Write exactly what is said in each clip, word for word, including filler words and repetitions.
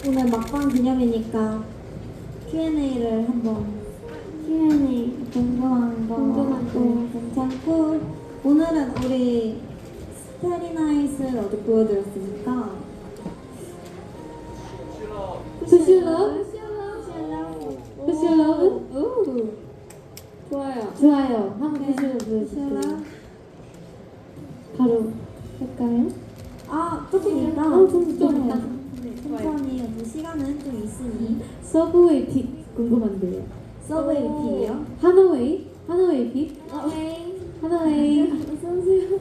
오늘 막방 기념이니까 큐앤에이를 한번 큐앤에이 궁금한 거 궁금한 거. 또 괜찮고 오늘은 우리 스타리나잇을 어디 보여드렸으니까 푸시러? 푸시러? 오 좋아요. 좋아요. 한번 네, 푸시러 푸시러. 보여주세요. 바로 할까요? 아 조금 이따 어, 좀, 좀 네. 이따. 천천히 뭐 시간은 좀 있으니 서브웨이 픽 궁금한데요. 서브웨이 어. 픽이요? 하노웨이? 하노웨이 픽? 오케이 하노웨이. 어서오세요.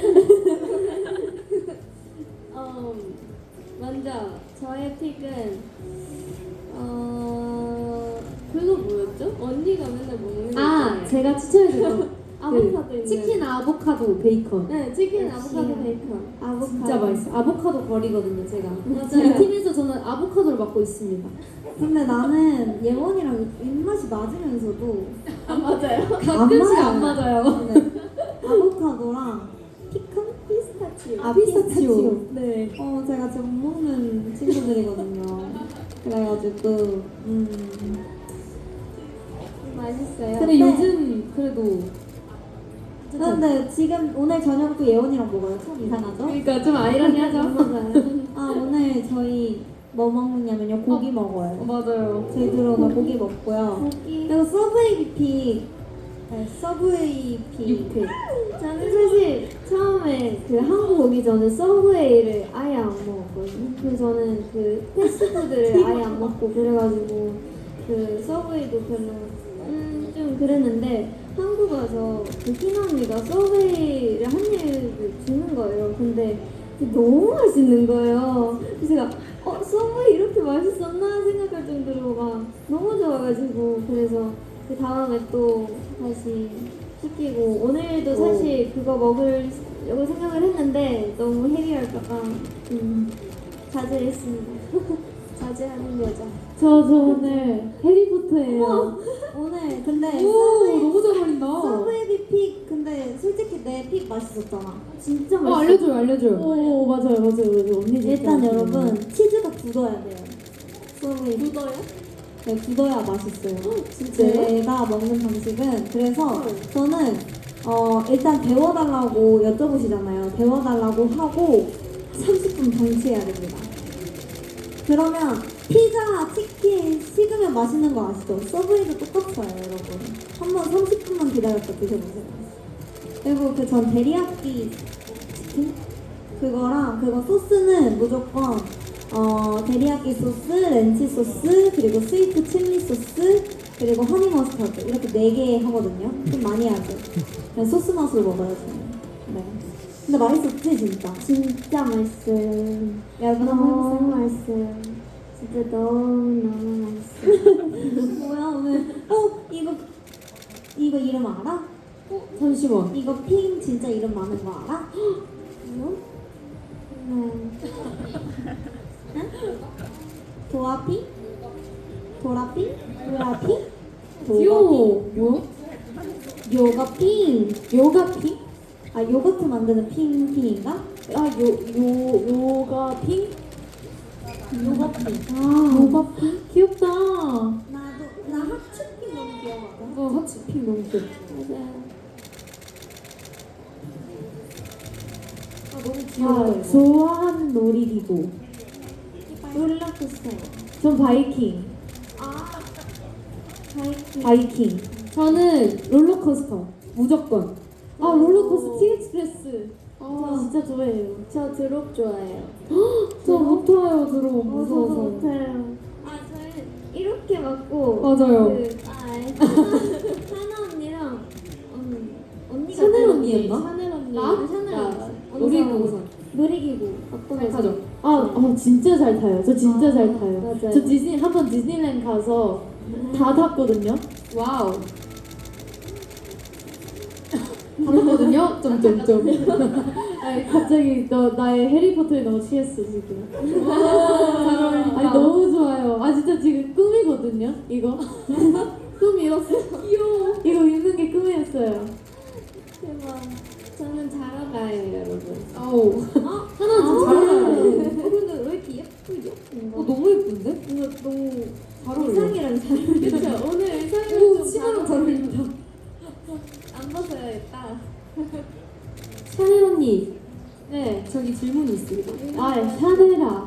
어, 먼저 저의 픽은 어 그거 뭐였죠? 언니가 맨날 먹는 아, 거. 제가 추천해드린 아보카도 그 있는. 치킨 아보카도 베이컨. 네, 치킨 역시. 아보카도 베이컨. 아보카도 진짜 맛있어. 아보카도 거리거든요, 제가. 맞아요. 이 팀에서 저는 아보카도를 맡고 있습니다. 근데 나는 예원이랑 입맛이 맞으면서도 아 맞아요. 가끔씩 안 맞아요. 네. 아보카도랑 피칸? 피스타치오. 아 피스타치오. 네. 어 제가 지금 못 먹는 친구들이거든요. 그래가지고 음 맛있어요. 근데 네. 요즘 그래도 근데 지금 오늘 저녁도 예원이랑 먹어요. 참 이상하죠? 그러니까 좀 아이러니하죠. 맞아요. 아 오늘 저희 뭐 먹느냐면요 고기 먹어요. 어, 맞아요. 저희들 오늘 고기 먹고요. 고기. 그리고 서브웨이 픽 네, 서브웨이 픽 육회. 저는 사실 처음에 그 한국 오기 전에 서브웨이를 아예 안 먹었거든요. 그래서 저는 그 패스트푸드를 아예 안 먹고 그래가지고 그 서브웨이도 별로 음 좀 그랬는데 한국 와서 그 희나 언니가 서브웨이를 한 입을 주는 거예요. 근데 그게 너무 맛있는 거예요. 그래서 제가 어 서브웨이 이렇게 맛있었나 생각할 정도로 막 너무 좋아가지고 그래서 그 다음에 또 다시 시키고 오늘도 사실 그거 먹으려고 생각을 했는데 너무 헤비할까봐 음, 자제했습니다. 자제하는 여자. 저, 저 오늘 해리포터예요. 오늘 근데 오, 서브웨이 너무 잘 어울린다. 서브웨이 픽 근데 솔직히 내 픽 맛있었잖아. 진짜 어, 맛있어. 알려줘요, 알려줘요. 오, 맞아요, 맞아요, 맞아요. 언니 진짜 일단 맛있어요. 여러분 치즈가 굳어야 돼요. 서브웨이 픽. 묻어요? 네, 굳어야 맛있어요. 진짜요? 제가 먹는 방식은 그래서 저는 어 일단 데워달라고 여쭤보시잖아요. 데워달라고 하고 삼십 분 방치해야 됩니다. 그러면 피자, 치킨 식으면 맛있는 거 아시죠? 서브웨이도 똑같아요, 여러분. 한번 삼십 분만 기다렸다 드셔보세요. 그리고 그 전 데리야끼 치킨 그거랑 그거 소스는 무조건 어 데리야끼 소스, 렌치 소스, 그리고 스위트 칠리 소스, 그리고 허니 머스타드 이렇게 네 개 하거든요. 좀 많이 하죠. 그냥 소스 맛으로 먹어요, 저는. 네. 근데 맛있었지 진짜. 진짜 맛있어요. 여러분 너무 한번 해보세요. 맛있어요. 진짜 너무 너무 맛있어요. 뭐야 오늘? 어 이거 이거 이름 알아? 잠시만. 이거 핑 진짜 이름 많은 거 알아? 뭐? 네. 도라핑? 도라핑? 도라핑? 귀여워. 요? 요거핑. 요가핑? 아 요거트 만드는 핑핑인가? 아, 요, 요, 요가핑? 요거핑. 아, 요가핑? 귀엽다. 나도 나 하츄핑 너무 귀여워. 어, 하츠핑 너무 귀엽다. 맞아요. 아 너무 아, 귀여워. 이거. 좋아하는 놀이기구. 롤러코스터. 전 바이킹. 아 바이킹. 바이킹. 저는 롤러코스터. 무조건. 아, 롤러코스터 티엑스프레스. 아, 진짜 좋아해요. 저 드롭 좋아해요. 저 못타요, 들어. 저도 무서워서. 못해요. 아 저는 이렇게 맞고 맞아요. 그, 아, 하나 언니랑 음, 언니가 샤넬 들었지. 언니였나? 샤넬 언니. 나? 샤넬 나. 언니. 놀이기구. 놀이기구. 어떤 잘 거 타죠? 아, 아, 진짜 잘 타요. 저 진짜 아, 잘 타요. 맞아요. 저 디즈니, 한 번 디즈니랜드 가서 다 탔거든요. 와우. 다 탔거든요? 점점점. 아니, 갑자기 너, 나의 해리포터에 너무 취했어, 지금. 잘 어울린다. 아니, 너무 좋아요. 아, 진짜 지금 꿈이거든요, 이거. 꿈이었어. 귀여워. 이거 입는 게 꿈이었어요. 대박. 저는 자러 가요, 여러분. 아우. 어? 하나 좀 잘 어울려요. 어, 근데 왜 이렇게 예쁘죠? 어, 너무 예쁜데? 어울리는데? 이거 너무 잘 어울려. 의상이랑 잘 어울려. 그쵸? 오늘 의상이 오, 좀 치마랑 잘 어울린다. 안 벗어야겠다. 샤넬 언니. 네, 저기 질문이 있습니다. 아, 샤넬아.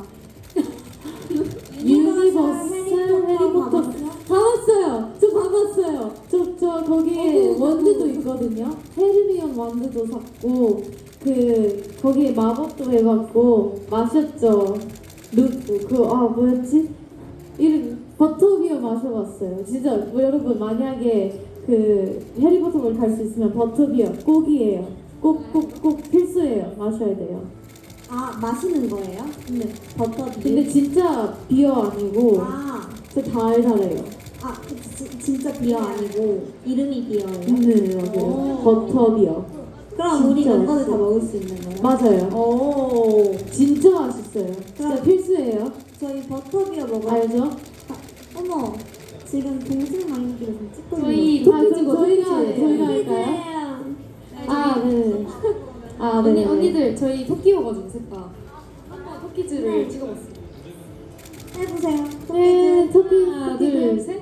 유니버스 해리포터 봤어? 봐봤어요. 저 봐봤어요. 저, 저 거기에 어구, 원두도 있거든요. 헤르미온 원두도 샀고 그 거기에 마법도 해봤고 마셨죠. 루프 그아 뭐였지? 이름 버터비어 마셔봤어요. 진짜 뭐 여러분 만약에 그 해리포터를 갈 수 있으면 버터비어 꼭이에요. 꼭 꼭 꼭 필수예요. 마셔야 돼요. 아 마시는 거예요? 네. 버터 비. 근데 진짜 비어 아니고 아, 진짜 달달해요. 아 그, 지, 진짜 비어 아니고 이름이 비어예요? 네 맞아요. 오. 버터비어. 그럼 우리 진짜 멤버들 다 맛있어요. 먹을 수 있는 거예요? 맞아요. 오, 진짜 맛있어요. 진짜 그럼- 필수예요. 저희 버터비어 먹어요. 알죠? 어머, 지금 동생 마인드를 좀 찍고 저희 있는 아, 토끼즈고 그럼 저희가 토끼즈. 저희가 할까요? 아 네. 아 네. 언니 언니들 저희 토끼여가지고 셋다 한번 토끼즈를 찍어봤어요. 거 해보세요. 네 토끼 하나 토끼 둘 셋.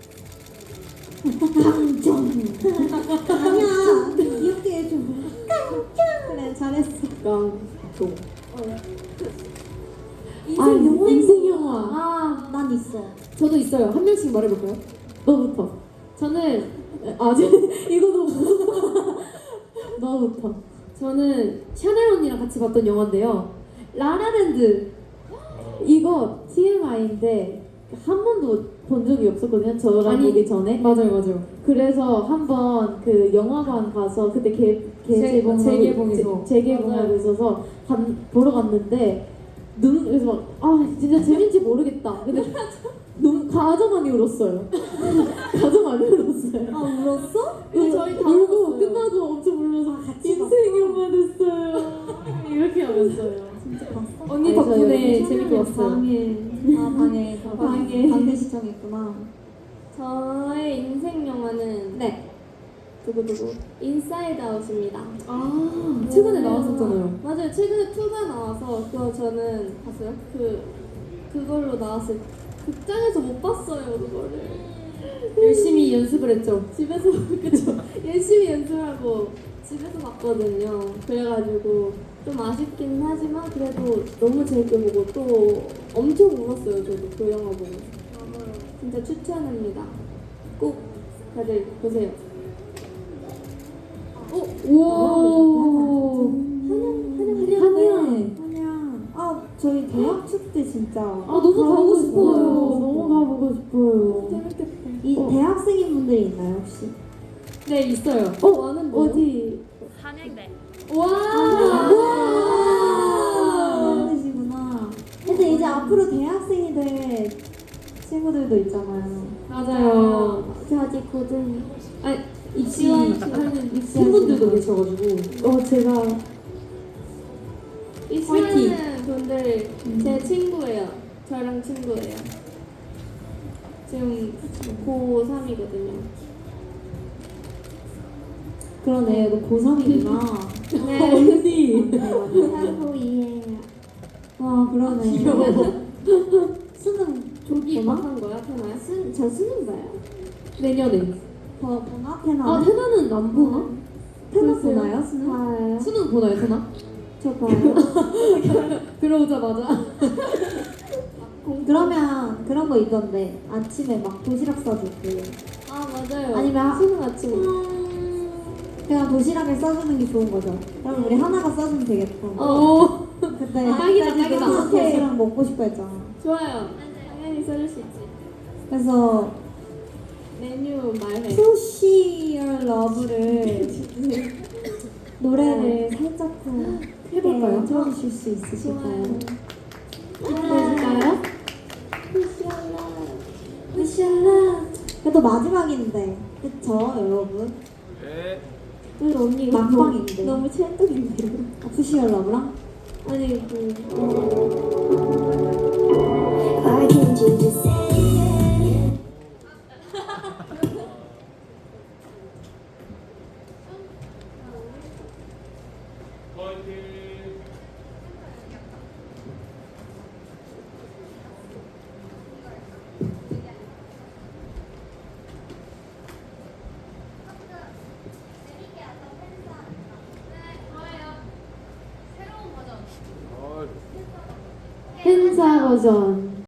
깡총. 아니야, 귀엽게 해줘. 깡총. 그래, 잘했어. 깡통. 인생 아 영화. 인생 영화. 아, 난 있어. 저도 있어요. 한 명씩 말해볼까요? 너부터. 저는 아 저, 이거 너무 무섭다. 너부터. 저는 샤넬 언니랑 같이 봤던 영화인데요. 라라랜드. 이거 티엠아이인데 한 번도 본 적이 없었거든요. 저랑 아니, 보기 전에. 맞아요, 맞아요. 그래서 한번 그 영화관 가서 그때 개, 개재봉하고 재개봉해서. 재- 재개봉하고 맞아요. 있어서 간, 보러 갔는데 눈 그래서 막 아 진짜 재밌지 모르겠다. 근데 너무 가져 많이 울었어요. 가져 많이 울었어요. 아, 울었어? 근데 저희 다 울고 울었어요. 끝나고 엄청 울면서 같이 인생 영화 됐어요. 이렇게 하면서요. 진짜 봤어? 언니 알죠, 덕분에 여러분. 재밌게 봤어요. 방에, 아, 방에, 방- 방에. 방대 시청했구나. 저의 인생 영화는 네. 두구두구 인사이드 아웃입니다. 아 최근에 나왔었잖아요. 맞아요. 최근에 투가 나와서 그거 저는 봤어요. 그 그걸로 나왔을 극장에서 못 봤어요. 그거를 열심히 연습을 했죠. 집에서 그쵸. 열심히 연습하고 집에서 봤거든요. 그래가지고 좀 아쉽긴 하지만 그래도 너무 재밌게 보고 또 엄청 울었어요. 저도 그 영화 보고. 진짜 추천합니다. 꼭 다들 보세요. 어? 오. 한양, 한양. 한양. 아, 저희 대학 축제 진짜. 아 너무 가보고 싶어요. 싶어요. 너무 가보고 싶어요. 재밌겠다. 이 어. 대학생인 분들이 있나요, 혹시? 네 있어요. 어 많은 어디? 한양대. 와. 아, 많으시구나. 근데 이제 앞으로 대학생이 될 친구들도 있잖아요. 맞아요. 저 아직 고등. 아니 입시 입시하는 입시하는 분들도 계셔가지고 어 제가 입시하는 분들 제 친구예요. 저랑 친구예요. 지금 고삼이거든요. 그러네, 너 고삼이구나. 네. 언니. 사고 이해야. 와, 그러네. 귀여워. 수능 조기 보나? 입학한 거야, 태나야? 수, 저 수능 봐요. 내년에. 더 보나? 테나? 아 태나는 안 보나? 테나 글쎄요. 보나요? 수능? 봐요. 수능 보나요, 태나? 저 봐요. 들어오자마자. 그러면 그런 거 있던데 아침에 막 도시락 싸주고 아 맞아요. 아니면 수능 아침. 음, 그냥 도시락에 싸주는 게 좋은 거죠. 그럼 우리 하나가 싸주면 되겠다. 어. 그때 아, 딱이다, 그때도 딱이다. 하나 도시락 먹고 싶어 했잖아. 좋아요. 당연히 써줄 수 있지. 그래서 메뉴 말해. Social Love를 노래를 살짝 더 해볼까요? 틀어주실 수 있으실까요? 해볼까요? 푸시알라 그래도 마지막인데 그쵸 여러분? 네. 왜 언니 이거 막방인데. 너무 찰떡인데요? 아, 푸시알 러브랑? 아니 그 Why can't you just say it? 화이팅. 행사 버전